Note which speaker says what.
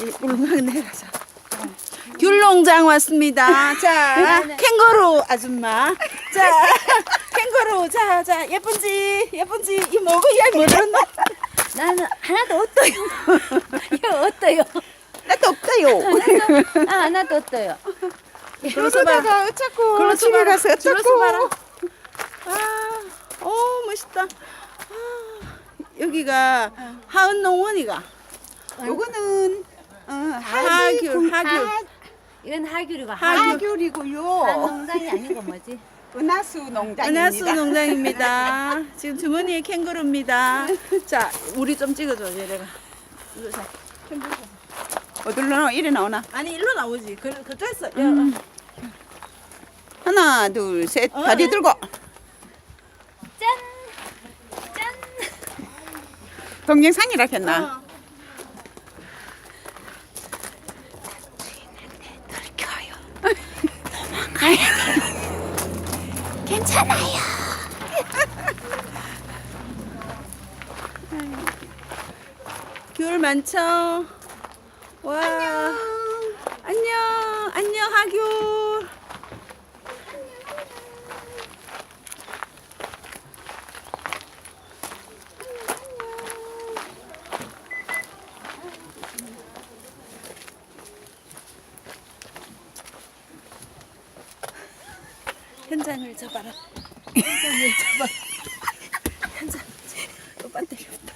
Speaker 1: 울릉 내려가자. 귤농장 왔습니다. 자, 캥거루 아줌마. 자, 캥거루. 자, 예쁜지, 이 먹어야 모르는.
Speaker 2: 나는 하나도 없어요. 이거 어때요?
Speaker 1: 나도 없다요.
Speaker 2: 하나도 없어요.
Speaker 1: 그러다가 어쩌고.
Speaker 3: 글로 집에 가서 어쩌고.
Speaker 1: 봐라. 아, 오, 멋있다. 여기가 하은농원이가.
Speaker 3: 요거는
Speaker 1: 하귤.
Speaker 2: 이건 하귤이고
Speaker 3: 하귤이고요.
Speaker 2: 농장이 아니고 뭐지?
Speaker 3: 은하수 농장입니다.
Speaker 1: 은하수 농장입니다. 지금 주머니에 캥거루입니다. 자, 우리 좀 찍어줘, 얘네가. 이거 자,
Speaker 3: 어디로 나와? 이래 나오나?
Speaker 1: 아니, 일로 나오지. 그랬어.
Speaker 3: 하나, 둘, 셋. 다리 들고.
Speaker 2: 짠! 짠!
Speaker 3: 동영상이라 했나?
Speaker 2: 괜찮아요.
Speaker 1: 귤 많죠? 와. 안녕, 하귤. 현장을 잡아라. 현장. 또 배터리 없다.